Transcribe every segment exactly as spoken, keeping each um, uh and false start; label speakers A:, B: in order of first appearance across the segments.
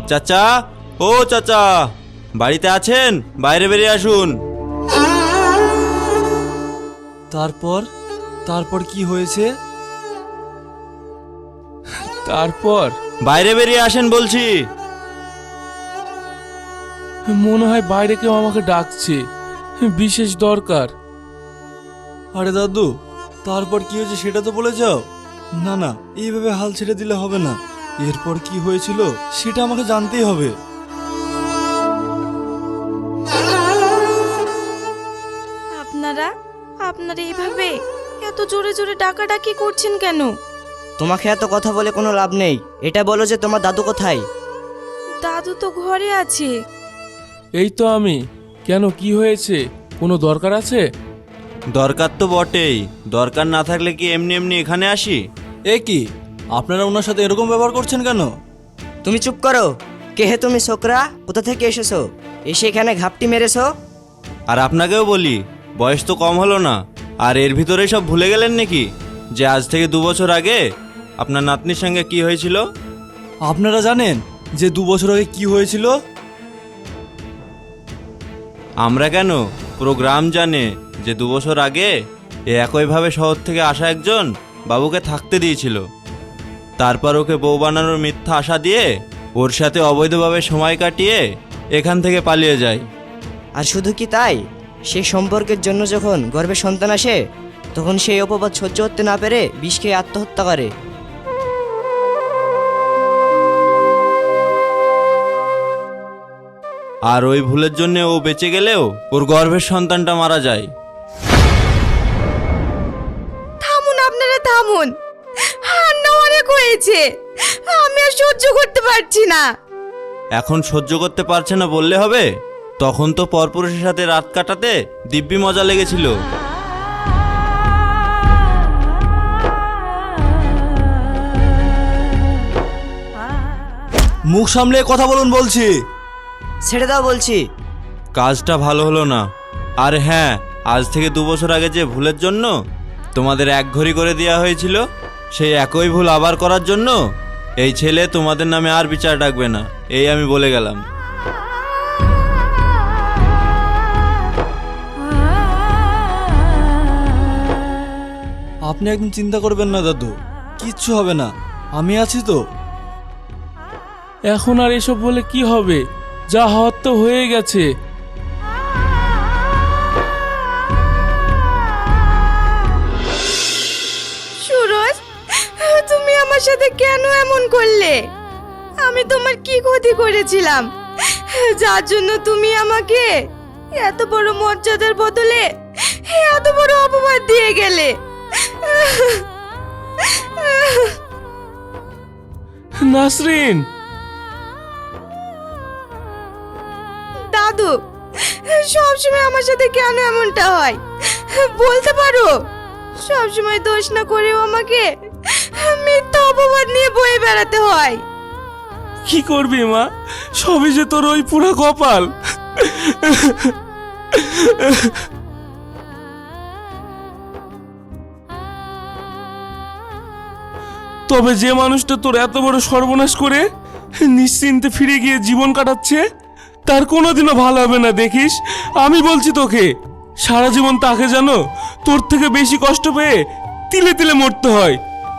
A: চাচা, ও চাচা, বাড়িতে আছেন? বাইরে বেরিয়ে আসুন।
B: তারপর তারপর কি হয়েছে?
C: তারপর
A: বাইরে বেরিয়ে আসেন বলছি।
C: মনে হয় বাইরে কেউ আমাকে ডাকছে, বিশেষ দরকার।
B: আরে দাদু, তারপর কি হয়েছে সেটা তো বলে যাও। না না, এইভাবে হাল ছেড়ে দিলে হবে না। এরপর কি হয়েছিল সেটা আমাকে জানতেই হবে।
D: আপনারা আপনারা এইভাবে এত জোরে জোরে ডাকাডাকি করছেন কেন?
E: তোমাকে এত কথা বলে কোনো লাভ নেই। এটা বলো যে তোমার দাদু কোথায়?
D: দাদু তো ঘরে আছে।
C: এই তো আমি। কেন, কি হয়েছে? কোনো দরকার আছে?
A: দরকার তো বটেই, দরকার না থাকলে কি এমনি এমনি এখানে আসি?
B: এ কি, আপনারা ওনার সাথে এরকম ব্যবহার করছেন কেন?
E: তুমি চুপ করো। কে হে তুমি ছোকরা? কোথা থেকে এসেছো? এসে এখানে ঘাপটি মেরেছো?
A: আর আপনাকেও বলি, বয়স তো কম হলো না, আর এর ভিতরে সব ভুলে গেলেন নাকি যে আজ থেকে দু বছর আগে আপনার নাতনির সঙ্গে কি হয়েছিল?
B: আপনারা জানেন যে দু বছর আগে কি হয়েছিল?
A: আমরা কেন, পুরো গ্রাম জানে যে দু বছর আগে এ একইভাবে শহর থেকে আসা একজন বাবুকে থাকতে দিয়েছিল। তারপর ওকে বউ বানানোর মিথ্যা আশা দিয়ে ওর সাথে অবৈধভাবে সময় কাটিয়ে এখান থেকে পালিয়ে যায়।
E: আর শুধু কি তাই, সেই সম্পর্কের জন্য যখন গর্ভে সন্তান আসে তখন সেই অপবাদ সহ্য করতে না পেরে বিষ খেয়ে আত্মহত্যা করে।
A: আর ওই ভুলের জন্য ও বেঁচে গেলেও ওর গর্ভের সন্তানটা মারা যায়।
D: থামুন, আপনারা থামুন। হান্না অনেক হয়েছে, আমি আর সহ্য করতে পারছি না।
A: এখন সহ্য করতে পারছে না বললে হবে? তখন তো পরপুরুষের সাথে রাত কাটাতে দিব্যি মজা লেগেছিল।
B: মুখ সামলে কথা বলুন বলছি।
E: ছেড়ে দাও বলছি।
A: কাজটা ভালো হলো না। আর হ্যাঁ, আজ থেকে দু বছর আগে যে ভুলের জন্য তোমাদের এক ঘড়ি করে দেওয়া হয়েছিল, সেই একই ভুল আবার করার জন্য এই ছেলে তোমাদের নামে আর বিচার ডাকবে না, এই আমি বলে গেলাম।
B: আপনি একদম চিন্তা করবেন না দাদু, কিচ্ছু হবে না, আমি আছি তো।
C: এখন আর এসব বলে কি হবে? যা হওয়ার তো হয়ে গেছে।
D: সুরজ, তুমি আমার সাথে কেন এমন করলে? আমি তোমার কি ক্ষতি করেছিলাম যার জন্য তুমি আমাকে এত বড় মর্যাদার বদলে এত বড় অপবাদ দিয়ে গেলে?
C: নাসরিন,
D: দাদু, সবসময় আমার সাথে কেন এমনটা হয় বলতে পারো? সবসময় দোষ না করেও আমাকে মিথ্যা অপবাদ নিয়ে বয়ে বেড়াতে হয়।
C: কি করবি মা? সবই যে তোর ওই পুরো কপাল। তবে যে মানুষটা তোর এত বড় সর্বনাশ করে নিশ্চিন্তে ফিরে গিয়ে জীবন কাটাচ্ছে, তার কোনোদিনও ভালো হবে না, দেখিস। আমি বলছি তোকে, সারা জীবন তাকে যেন তোর থেকে বেশি কষ্ট পেয়ে তিলে তিলে মরতে হয়।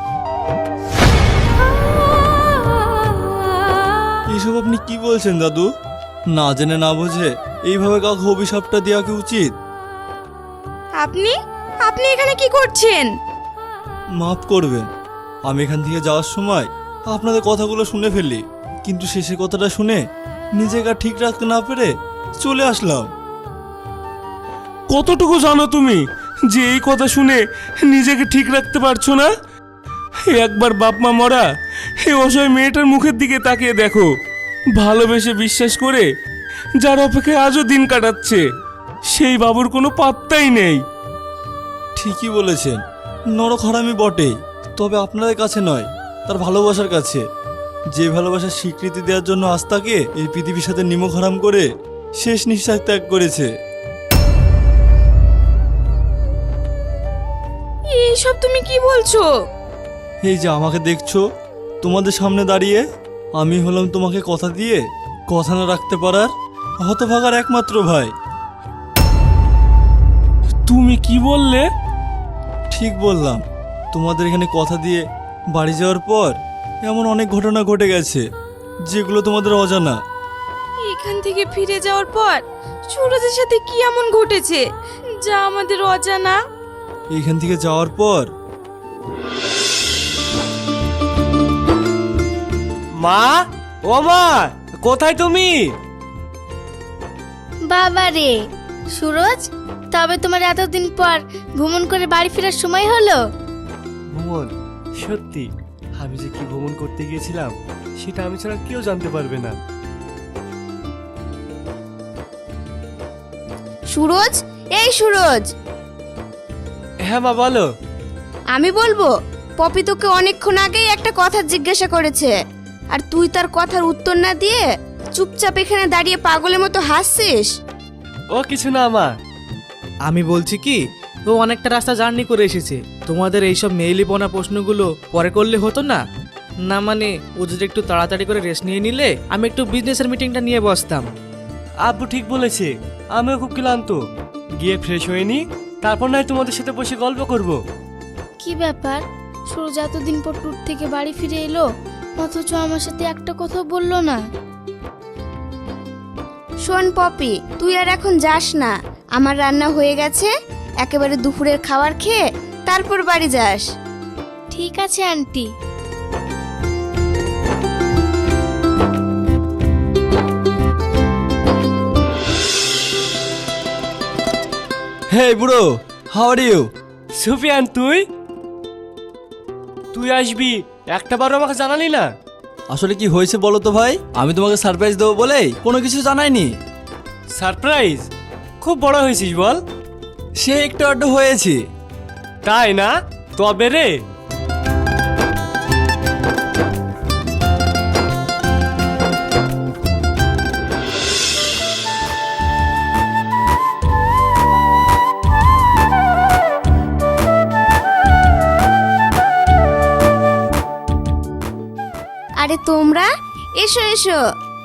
B: এসব আপনি কি বলছেন দাদু? না জেনে না বুঝে এইভাবে কাউকে অভিশাপটা দেওয়া কি উচিত?
D: আপনি আপনি এখানে কি করছেন?
B: মাফ করবেন, আমি এখান থেকে যাওয়ার সময় আপনাদের কথাগুলো শুনে ফেলি, কিন্তু শেষে কথাটা শুনে নিজেকে আর ঠিক রাখতে না পেরে চলে আসলাম।
C: কতটুকু জানো তুমি যে এই কথা শুনে নিজেকে ঠিক রাখতে পারছো না? একবার বাপ মা মরা এই অসহায় মেয়েটার মুখের দিকে তাকিয়ে দেখো। ভালোবেসে বিশ্বাস করে যার অপেক্ষায় আজও দিন কাটাচ্ছে, সেই বাবুর কোনো পাত্তাই নেই।
B: ঠিকই বলেছেন, নরখারামি বটেই, তবে আপনাদের কাছে নয়, তার ভালোবাসার কাছে। যে ভালোবাসার স্বীকৃতি দেওয়ার জন্য আজ তাকে এই পৃথিবীর সাথে নিমক হারাম করে শেষ নিঃশ্বাস ত্যাগ করেছে।
D: এইসব তুমি কি বলছো?
B: এই যে আমাকে দেখছো তোমাদের সামনে দাঁড়িয়ে, আমি হলাম তোমাকে কথা দিয়ে কথা না রাখতে পারার হতভাগার একমাত্র ভাই।
C: তুমি কি বললে?
B: ঠিক বললাম। তোমাদের এখানে কথা দিয়ে বাড়ি যাওয়ার পর এমন অনেক ঘটনা ঘটে গেছে যেগুলো তোমাদের অজানা।
D: এখান থেকে ফিরে যাওয়ার পর সুরজের সাথে কি এমন ঘটেছে যা আমাদের অজানা?
B: এইখান থেকে যাওয়ার পর
F: মা, ও মা, কোথায় তুমি?
G: বাবা রে সুরজ, তবে তোমার এতদিন পর ভ্রমণ করে বাড়ি ফেরার সময় হলো?
F: ভ্রমণ? সত্যি আমি যে কি ভ্রমণ করতে গিয়েছিলাম সেটা আমি ছাড়া কেউ জানতে পারবে না।
D: সুরজ, এই সুরজ,
F: হ্যাঁ মা, বলো।
D: আমি বলবো পপি তোকে অনেকক্ষণ আগেই একটা কথা জিজ্ঞাসা করেছে, আর তুই তার কথার উত্তর না দিয়ে চুপচাপ এখানে দাঁড়িয়ে পাগলের মতো হাসছিস।
F: ও কিছু না মা।
H: আমি বলছি কি, ও অনেকটা রাস্তা জার্নি করে এসেছে, তোমাদের এইসব মেইলিপনা প্রশ্নগুলো পরে করলে হতো না? না মানে ও যদি একটু তাড়াতাড়ি করে রেস্ট নিয়ে নিলে আমি একটু বিজনেসের মিটিংটা নিয়ে বসতাম।
F: আব্বু ঠিক বলেছে, আমিও খুব ক্লান্ত। গিয়ে ফ্রেশ হয়ে নি, তারপর নয় তোমাদের সাথে বসে গল্প করব।
G: কি ব্যাপার, সুরজ এতদিন পর ট্যুর থেকে বাড়ি ফিরে এলো অথচ আমার সাথে একটা কথা বললো না?
D: শোন পপি, তুই আর এখন যাস না, আমার রান্না হয়ে গেছে, একেবারে দুপুরের খাবার খেয়ে তারপর বাড়ি যাস।
G: ঠিক আছে আন্টি।
B: হে বুড়ো, হাউ আর ইউ?
F: সুফিয়ান, তুই তুই আসবি একটা বারও আমাকে জানালি না?
B: আসলে কি হয়েছে বলো তো ভাই? আমি তোমাকে সারপ্রাইজ দেবো বলে কোনো কিছু জানাইনি।
F: সারপ্রাইজ? খুব বড় হয়েছিস বল।
B: সে একটু আড্ডু হয়েছে।
F: তাই না? তবে রে,
D: আরে তোমরা এসো এসো।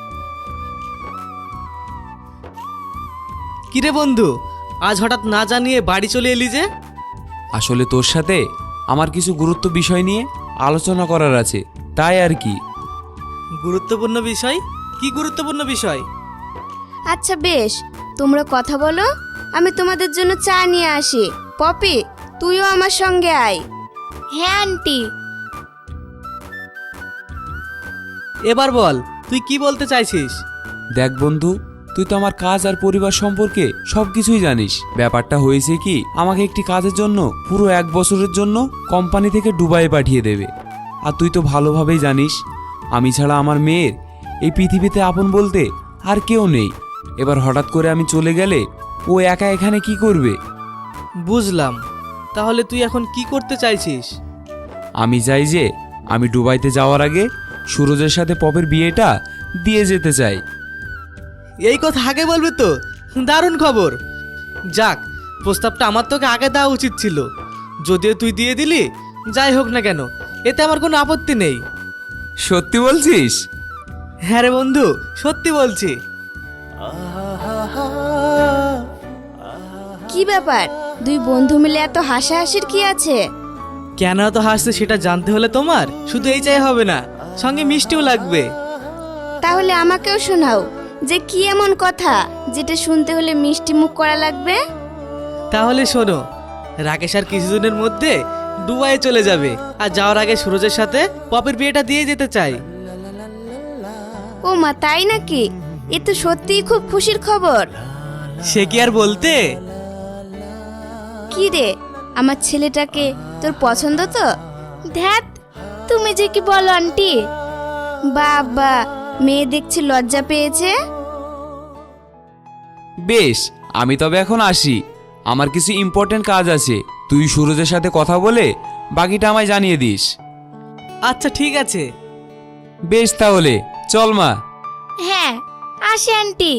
H: কিরে বন্ধু, আজ হঠাৎ না জানিয়ে বাড়ি চলে এলি যে?
I: আসলে তোর সাথে আমার কিছু গুরুত্ব বিষয় নিয়ে আলোচনা করার আছে, তাই আর কি।
H: গুরুত্বপূর্ণ বিষয়? কি গুরুত্বপূর্ণ বিষয়?
D: আচ্ছা বেশ, তোমরা কথা বলো, আমি তোমাদের জন্য চা নিয়ে আসি। পপি, তুইও আমার সঙ্গে আয়।
G: হ্যাঁ আন্টি।
H: এবার বল, তুই কি বলতে চাইছিস?
I: দেখ বন্ধু, তুই তো আমার কাজ আর পরিবার সম্পর্কে সব কিছুই জানিস। ব্যাপারটা হয়েছে কি, আমাকে একটি কাজের জন্য পুরো এক বছরের জন্য কোম্পানি থেকে দুবাই পাঠিয়ে দেবে। আর তুই তো ভালোভাবেই জানিস আমি ছাড়া আমার মেয়ের এই পৃথিবীতে আপন বলতে আর কেউ নেই। এবার হঠাৎ করে আমি চলে গেলে ও একা এখানে কি করবে?
H: বুঝলাম, তাহলে তুই এখন কি করতে চাইছিস?
I: আমি চাই যে আমি দুবাইতে যাওয়ার আগে সুরজের সাথে পপের বিয়েটা দিয়ে যেতে চাই।
H: এই কথা আগে বলবি তো, দারুণ খবর। যাক, প্রস্তাবটা আমার তোকে আগে দেওয়া উচিত ছিল। যদিও তুই দিয়ে দিলি, যাই হোক না কেন, এতে আমার কোনো আপত্তি নেই।
I: সত্যি বলছিস?
H: হ্যাঁ রে বন্ধু, সত্যি বলছি।
D: কি ব্যাপার, দুই বন্ধু মিলে এত হাসাহাসির কি আছে?
H: কেন এত হাসছে সেটা জানতে হলে তোমার শুধু এই চাই হবে না, সঙ্গে মিষ্টিও লাগবে।
D: তাহলে আমাকেও শোনাও, যে কি এমন কথা যেটা শুনতে হলে মিষ্টি মুখ করা লাগবে?
H: তাহলে শোনো, রাকেশ আর কিছুদিনের মধ্যে দুবাইয়ে চলে যাবে, আর যাওয়ার আগে সুরজের সাথে পপের বিয়েটা দিয়ে যেতে চাই।
D: ও মা, তাই নাকি? এ তো সত্যিই খুব খুশির খবর।
H: সে কি আর বলতে।
D: কি রে, আমার ছেলেটাকে তোর পছন্দ তো?
G: ধ্যাত, তুমি যে কি বলো আন্টি।
D: বাবা, মেয়ে দেখছি লজ্জা পেয়েছে।
I: বেশ, আমি তবে এখন আসি, আমার কিছু ইম্পর্টেন্ট কাজ আছে। তুই সুরজের সাথে কথা বলে বাকিটা আমায় জানিয়ে দিস।
H: আচ্ছা ঠিক আছে।
I: বেশ তাহলে চল মা।
G: হ্যাঁ, আসে আন্টি।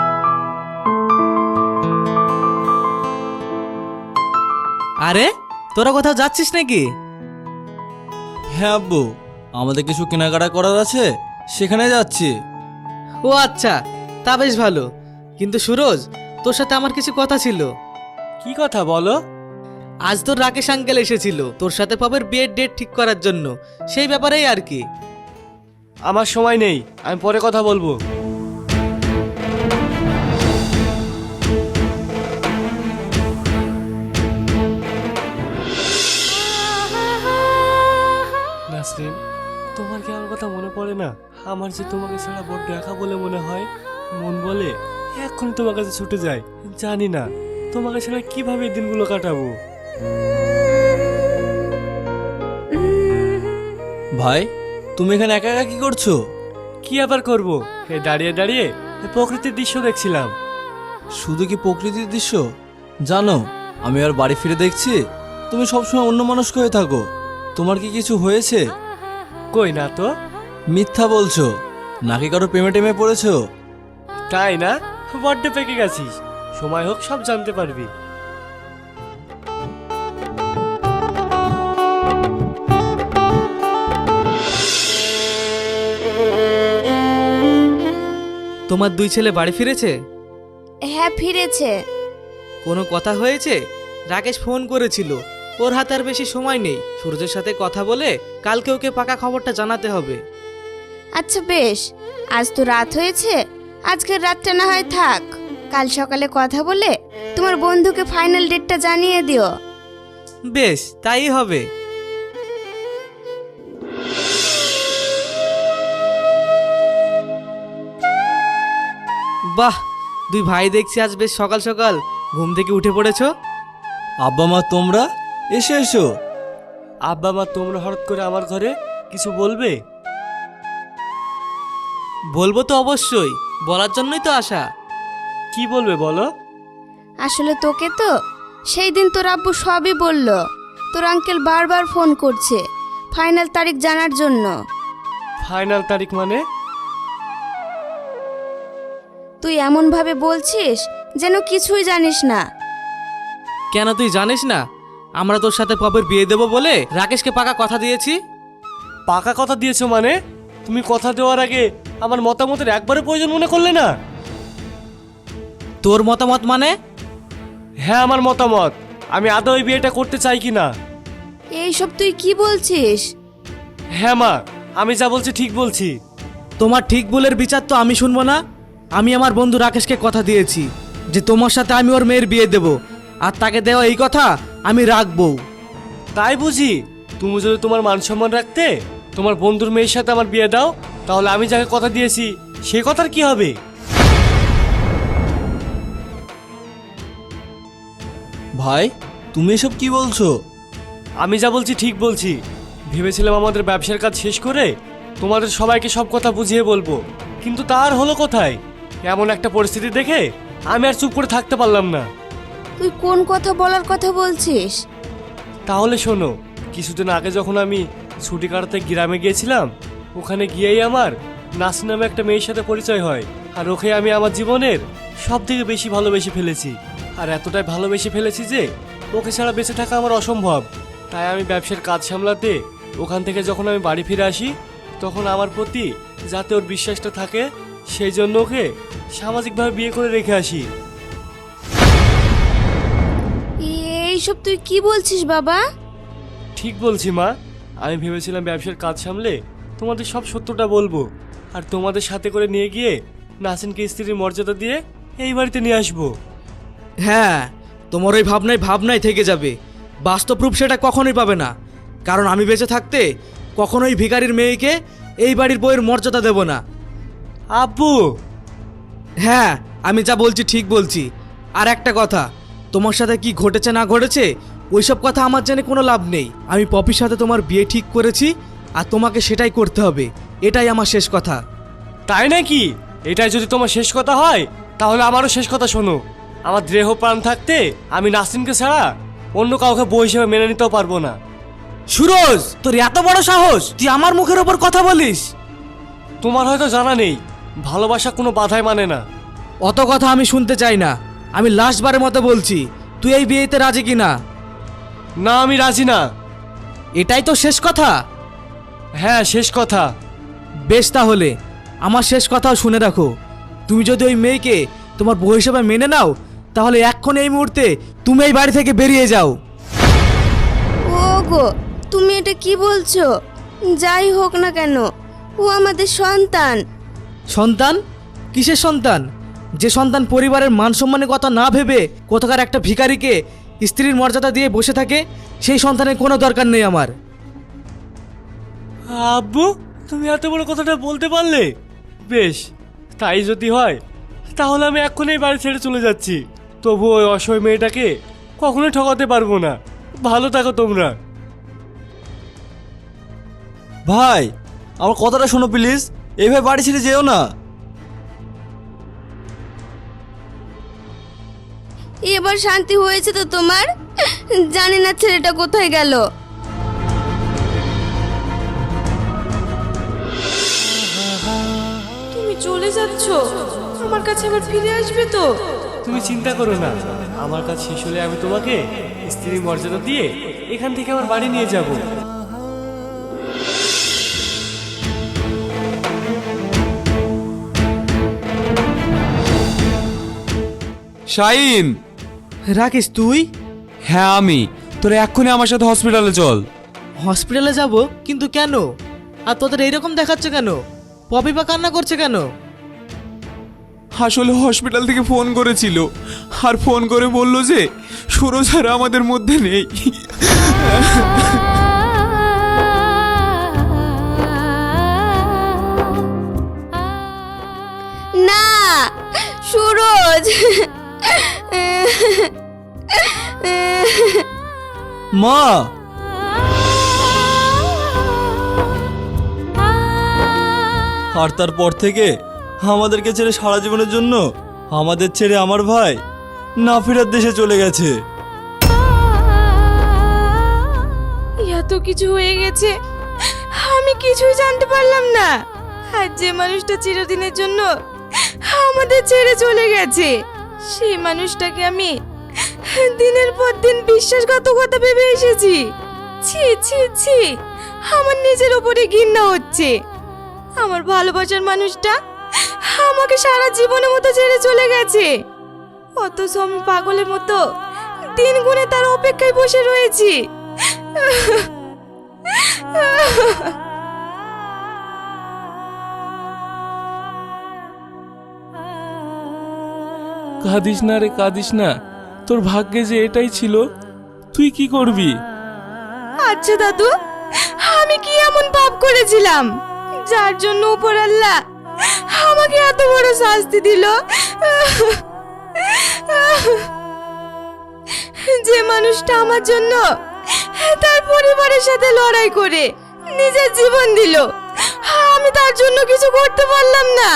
H: আরে তোরা কোথাও যাচ্ছিস নাকি?
B: হ্যাঁ আব্বু, আমাদের কিছু কেনাকাটা করার আছে, সেখানে যাচ্ছি।
H: ও আচ্ছা, তা বেশ ভালো। কিন্তু সুরজ, তোর সাথে আমার কিছু কথা ছিল।
F: কি কথা বলো?
H: আজ তোর রাকেশ আঙ্কেল এসেছিল তোর সাথে পাবের বিয়ের ডেট ঠিক করার জন্য, সেই ব্যাপারেই আর কি।
F: আমার সময় নেই, আমি পরে কথা বলবো। নাসরিন, তোমার কি আমার কথা মনে পড়ে না? আমার যে তোমাকে ছাড়া বড্ড একা বলে মনে হয়। মন বলে এক্ষুনি তোমার কাছে ছুটে যায়। জানি না তোমাকে ছাড়া কিভাবে এই দিনগুলো কাটাবো।
B: ভাই, তুমি এখানে একা একা কি করছো?
F: কি আবার করব, এই দাঁড়িয়ে দাঁড়িয়ে এই প্রকৃতির দৃশ্য দেখছিলাম।
B: শুধু কি প্রকৃতির দৃশ্য? জানো, আমি আর বাড়ি ফিরে দেখছি তুমি সবসময় অন্য মানুষ হয়ে থাকো। তোমার কি কিছু হয়েছে?
F: কই না তো।
B: মিথ্যা বলছো নাকি কারো প্রেমে টেমে পড়েছো?
F: তাই না? বড্ড পেকে গেছিস। সময় হোক সব জানতে পারবি।
H: তোমার দুই ছেলে বাড়ি ফিরেছে?
D: হ্যাঁ, ফিরেছে।
H: কোনো কথা হয়েছে? রাকেশ ফোন করেছিল, ওর হাতে আর বেশি সময় নেই। সূর্যের সাথে কথা বলে কালকে ওকে পাকা খবরটা জানাতে হবে।
D: আচ্ছা বেশ, আজ তো রাত হয়েছে, আজকের রাতটা না হয় থাক। কাল সকালে কথা বলে তোমার বন্ধুকে ফাইনাল ডেটটা জানিয়ে দিও।
H: বেশ, তাই হবে। বাহ, দুই ভাই দেখছি আজ বেশ সকাল সকাল ঘুম থেকে উঠে পড়েছো।
B: আব্বা মা তোমরা এসে এসো।
F: আব্বা মা তোমরা হঠাৎ করে আমার ঘরে কিছু বলবে?
H: বলবো তো অবশ্যই, বলার জন্যই তো আসা।
F: কি বলবে বলো?
D: আসলে তোকে তো সেই দিন তোর আব্বু সবই বলল। তোর আঙ্কেল বারবার ফোন করছে ফাইনাল তারিখ জানার জন্য।
F: ফাইনাল তারিখ মানে?
D: তুই এমন ভাবে বলছিস যেন কিছুই জানিস না।
H: কেন তুই জানিস না? আমরা তোর সাথে পপের বিয়ে দেবো বলে রাকেশকে পাকা কথা দিয়েছি।
F: পাকা কথা দিয়েছো মানে? তুমি কথা দেওয়ার আগে আমার মতামতের একবারে প্রয়োজন মনে করলে না?
H: তোর মতামত মানে?
F: হ্যাঁ, আমার মতামত। আমি আদৌ এই বিয়েটা করতে চাই কি না।
D: এইসব তুই কি বলছিস?
F: হ্যাঁ মা, আমি যা বলছি ঠিক বলছি।
H: তোমার ঠিক ভুলের বিচার তো আমি শুনবো না। আমি আমার বন্ধু রাকেশকে কথা দিয়েছি যে তোমার সাথে আমি ওর মেয়ের বিয়ে দেব, আর তাকে দেওয়া এই কথা আমি রাখবো।
F: তাই বুঝি? তুমি যদি তোমার মান সম্মান রাখতে তোমার বন্ধুর মেয়ের সাথে আমার বিয়ে দাও, তাহলে আমি যাকে কথা দিয়েছি সে কথার কি হবে?
B: ভাই, তুমি এসব কি বলছো?
F: আমি যা বলছি ঠিক বলছি। ভেবেছিলাম আমাদের ব্যবসার কাজ শেষ করে তোমাদের সবাইকে সব কথা বুঝিয়ে বলবো, কিন্তু তার হলো কোথায়? এমন একটা পরিস্থিতি দেখে আমি আর চুপ করে থাকতে পারলাম না।
D: তুই কোন কথা বলার কথা বলছিস?
F: তাহলে শোনো, কিছুদিন আগে যখন আমি ছুটি কাটাতে গ্রামে গিয়েছিলাম, ওখানে গিয়েই আমার নাস নামে একটা মেয়ের সাথে পরিচয় হয়। আর ওকে আমি আমার জীবনের সব থেকে বেশি ভালোবেসে ফেলেছি। আর এতটাই ভালোবেসে ফেলেছি যে ওকে ছাড়া বেঁচে থাকা আমার অসম্ভব। তাই আমি ব্যবসার কাজ সামলাতে ওখান থেকে যখন আমি বাড়ি ফিরে আসি, তখন আমার প্রতি যাতে ওর বিশ্বাসটা থাকে সেই জন্য ওকে সামাজিকভাবে বিয়ে করে রেখে আসি।
D: এইসব তুই কি বলছিস বাবা?
F: ঠিক বলছি মা। আমি ভেবেছিলাম ব্যবসার কাজ সামলে তোমাদের সব সত্যটা বলবো, আর তোমাদের সাথে করে নিয়ে গিয়ে নাসিনকে স্ত্রীর মর্যাদা দিয়ে এই বাড়িতে নিয়ে আসবো।
H: হ্যাঁ, তোমার ওই ভাবনাই ভাবনাই থেকে যাবে, বাস্তব রূপ সেটা কখনোই পাবে না। কারণ আমি বেঁচে থাকতে কখনোই ভিখারির মেয়েকে এই বাড়ির বউয়ের মর্যাদা দেব না।
F: আব্বু!
H: হ্যাঁ, আমি যা বলছি ঠিক বলছি। আর একটা কথা, তোমার সাথে কি ঘটেছে না ঘটেছে ওইসব কথা আমার জেনে কোনো লাভ নেই। আমি পপির সাথে তোমার বিয়ে ঠিক করেছি, আর তোমাকে সেটাই করতে হবে। এটাই আমার শেষ কথা।
F: তাই নাকি? এটাই যদি তোমার শেষ কথা হয় তাহলে আমারও শেষ কথা শোনো। আমার দেহ প্রাণ থাকতে আমি নাসিনকে ছাড়া অন্য কাউকে বউ হিসেবে মেনে নিতেও পারবো না।
H: সুরজ, তোর এত বড় সাহস, তুই আমার মুখের ওপর কথা বলিস?
F: তোমার হয়তো জানা নেই, ভালোবাসা কোনো বাধাই মানে না।
H: অত কথা আমি শুনতে চাই না। আমি লাস্টবারের মতো বলছি, তুই এই বিয়েতে রাজি কিনা?
F: না আমি রাজি না।
H: এটাই তো শেষ কথা?
F: হ্যাঁ শেষ কথা।
H: বেশ, তাহলে আমার শেষ কথাও শুনে রাখো। তুমি যদি ওই মেয়েকে তোমার বউ হিসেবে মেনে নাও, তাহলে এক্ষণ এই মুহূর্তে তুমি এই বাড়ি থেকে বেরিয়ে যাও।
D: ওগো, তুমি এটা কি বলছো? যাই হোক না কেন, ও আমাদের সন্তান।
H: সন্তান? কিসের সন্তান? যে সন্তান পরিবারের মান সম্মানের কথা না ভেবে কোথাকার একটা ভিখারিকে স্ত্রীর মর্যাদা দিয়ে বসে থাকে, সেই সন্তানের কোনো দরকার নেই আমার।
F: আব্বু, তুমি এত বড় কথাটা বলতে পারলে? বেশ, তাই যদি হয় তাহলে আমি এক্ষুনি এই বাড়ি ছেড়ে চলে যাচ্ছি। তবু ওই অসহায় মেয়েটাকে কখনোই ঠকাতে পারবো না। ভালো থাকো তোমরা।
B: ভাই, আমার কথাটা শোনো প্লিজ, এইভাবে বাড়ি ছেড়ে যেও না।
D: এবার শান্তি হয়েছে তো তোমার? জানি না ছেলেটা কোথায় গেল। তুমি চলে যাচ্ছ, আমার কাছে আবার ফিরে আসবে তো?
F: তুমি চিন্তা করো না, আমার কাজ শেষ হলে আমি তোমাকে স্ত্রীর মর্যাদা দিয়ে এখান থেকে আমার বাড়ি নিয়ে যাব।
I: শাহিন।
H: রাকেশ, তুই?
I: হ্যাঁ আমি। তোরা এক্ষুনি আমার সাথে হসপিটালে চল।
H: হসপিটালে যাব? কিন্তু কেন? আর তোদের এইরকম দেখাচ্ছে কেন? পপি বা কান্না করছে কেন?
I: আসলে হসপিটাল থেকে ফোন করেছিল, আর ফোন করে বলল যে সুরজ আর আমাদের মধ্যে নেই।
D: না, সুরজ।
B: মা, আর তারপর থেকে আমাদেরকে ছেড়ে সারা জীবনের জন্য আমাদের ছেড়ে আমার ভাই না ফেরার দেশে চলে গেছে।
D: এত কিছু হয়ে গেছে, আমি কিছুই জানতে পারলাম না। আর যে মানুষটা চিরদিনের জন্য আমাদের ছেড়ে চলে গেছে, সেই মানুষটাকে আমি দিনের পর দিন বিশ্বাসঘাতকতা ভেবে এসেছি। ছি ছি ছি, আমার নিজের ওপরে ঘৃণা হচ্ছে। আমার ভালোবাসার মানুষটা আমাকে সারা জীবনের মতো ছেড়ে চলে গেছে, অথচ আমি পাগলের মতো দিন গুনে তার অপেক্ষায় বসে রয়েছি।
C: কাঁদিস না রে, কাঁদিস না। তোর ভাগ্যে যে এটাই ছিল, তুই কি করবি?
D: আচ্ছা দাদু, আমি কি এমন পাপ করেছিলাম যার জন্য উপর আল্লাহ আমাকে এত বড় শাস্তি দিল? যে মানুষটা আমার জন্য তার পরিবারের সাথে লড়াই করে নিজের জীবন দিল, আমি তার জন্য কিছু করতে পারলাম না।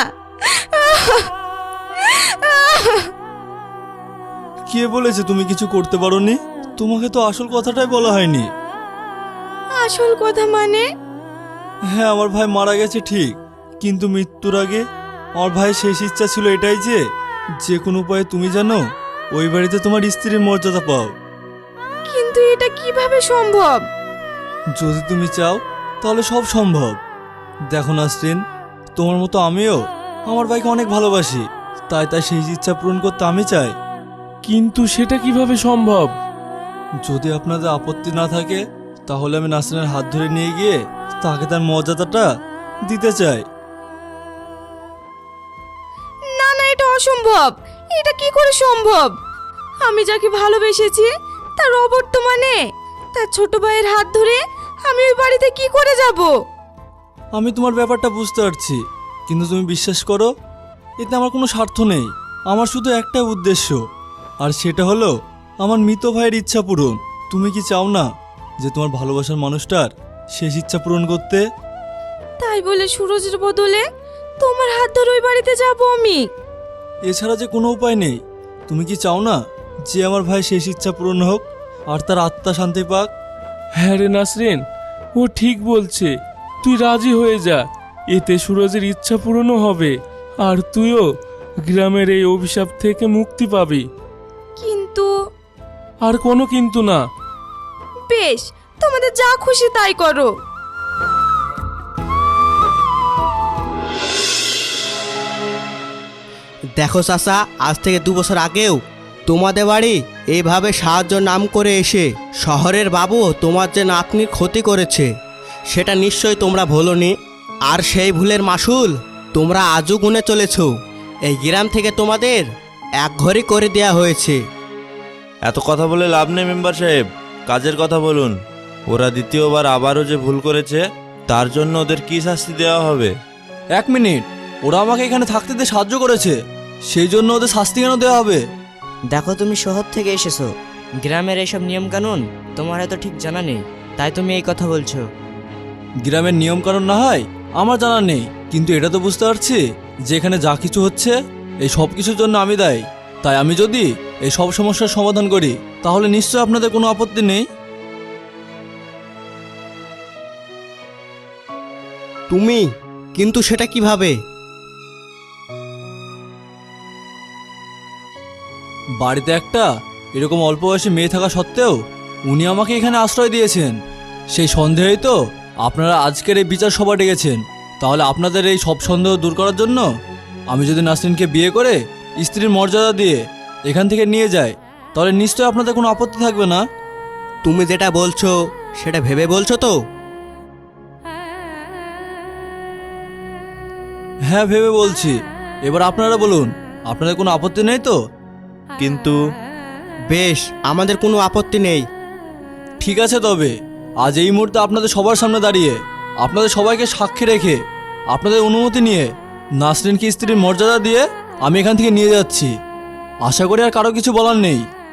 B: কে বলেছে তুমি কিছু করতে পারোনি? তোমাকে তো আসল কথাটাই বলা হয়নি।
D: আসল কথা মানে?
B: হ্যাঁ, আমার ভাই মারা গেছে ঠিক, কিন্তু মৃত্যুর আগে আমার ভাইয়ের শেষ ইচ্ছা ছিল এটাই যে যে কোনো উপায়ে তুমি জানো ওই বাড়িতে তোমার স্ত্রীর মর্যাদা পাও।
D: কিন্তু এটা কিভাবে সম্ভব?
B: যদি তুমি চাও তাহলে সব সম্ভব। দেখো নাসরিন, তোমার মতো আমিও আমার ভাইকে অনেক ভালোবাসি, তাই তাই সেই ইচ্ছা পূরণ করতে আমি চাই।
C: কিন্তু সেটা কিভাবে সম্ভব?
B: যদি আপনাদের আপত্তি না থাকে তাহলে আমি নাসরিনের হাত ধরে নিয়ে গিয়ে তাকে তার মর্যাদাটা দিতে চাই।
D: না না, এটা অসম্ভব। এটা কি করে সম্ভব? আমি যাকে ভালোবেসেছি তার অবর্তমানে তার ছোট ভাইয়ের হাত ধরে আমি ওই বাড়িতে কি করে যাব?
B: আমি তোমার ব্যাপারটা বুঝতে পারছি, কিন্তু তুমি বিশ্বাস করো, এতে আমার কোনো স্বার্থ নেই। আমার শুধু একটাই উদ্দেশ্য, আর সেটা হলো আমার মৃত ভাইয়ের ইচ্ছা পূরণ। তুমি কি চাও না যে তোমার ভালোবাসার মানুষটার শেষ ইচ্ছা পূরণ করতে?
D: তাই বলে সুরজের বদলে তোমার হাত ধরে ওই বাড়িতে যাব আমি?
B: এছাড়া যে কোনো উপায় নেই। তুমি কি চাও না যে আমার ভাই শেষ ইচ্ছা পূরণ হোক আর তার আত্মা শান্তি পাক?
C: হ্যাঁ রে নাসরিন, ও ঠিক বলছে। তুই রাজি হয়ে যা, এতে সুরজের ইচ্ছা পূরণও হবে, আর তুইও গ্রামের এই অভিশাপ থেকে মুক্তি পাবি।
D: কিন্তু
C: আর কোনো কিন্তু না।
D: বেশ, তোমাদের যা খুশি তাই করো।
J: দেখো চাচা, আজ থেকে দু বছর আগেও তোমাদের বাড়ি এইভাবে সাহায্য নাম করে এসে শহরের বাবু তোমার যে নাতনির ক্ষতি করেছে সেটা নিশ্চয়ই তোমরা ভোলোনি। আর সেই ভুলের মাসুল তোমরা আজও গুনে চলেছ। এই গ্রাম থেকে তোমাদের এক ঘরই করে দেয়া হয়েছে।
A: এত কথা বলে লাভ নেই মেম্বার সাহেব, কাজের কথা বলুন। ওরা দ্বিতীয়বার আবারও যে ভুল করেছে তার জন্য ওদের কি শাস্তি দেওয়া হবে?
B: এক মিনিট, ওরা আমাকে এখানে থাকতে দিয়ে সাহায্য করেছে, সেই জন্য ওদের শাস্তি কেন দেওয়া হবে?
E: দেখো, তুমি শহর থেকে এসেছো, গ্রামের এইসব নিয়মকানুন তোমার হয়তো ঠিক জানা নেই, তাই তুমি এই কথা বলছো।
B: গ্রামের নিয়ম কানুন না হয় আমার জানা নেই, কিন্তু এটা তো বুঝতে পারছি যে এখানে যা কিছু হচ্ছে এই সব কিছুর জন্য আমি দায়ী। তাই আমি যদি এই সব সমস্যার সমাধান করি তাহলে নিশ্চয় আপনাদের কোনো আপত্তি নেই।
J: তুমি কিন্তু সেটা কিভাবে?
B: বাড়িতে একটা এরকম অল্প বয়সী মেয়ে থাকা সত্ত্বেও উনি আমাকে এখানে আশ্রয় দিয়েছেন, সেই সন্দেহেই তো আপনারা আজকের এই বিচার সভা ডেকেছেন। তাহলে আপনাদের এই সব সন্দেহ দূর করার জন্য আমি যদি নাসরিনকে বিয়ে করে স্ত্রীর মর্যাদা দিয়ে এখান থেকে নিয়ে যাই তাহলে নিশ্চয় আপনাদের কোনো আপত্তি থাকবে না।
J: তুমি যেটা বলছো সেটা ভেবে বলছো তো?
B: হ্যাঁ, ভেবে বলছি। এবার আপনারা বলুন, আপনাদের কোনো আপত্তি নেই তো?
A: কিন্তু
J: বেশ, আমাদের কোনো আপত্তি নেই।
B: ঠিক আছে, তবে আজ এই মুহূর্তে আপনাদের সবার সামনে দাঁড়িয়ে আপনাদের সবাইকে সাক্ষী রেখে আপনাদের অনুমতি নিয়ে নাসরিনকে স্ত্রীর মর্যাদা দিয়ে আমি এখান থেকে নিয়ে যাচ্ছি। আশা করি আর কারো কিছু বলার নেই।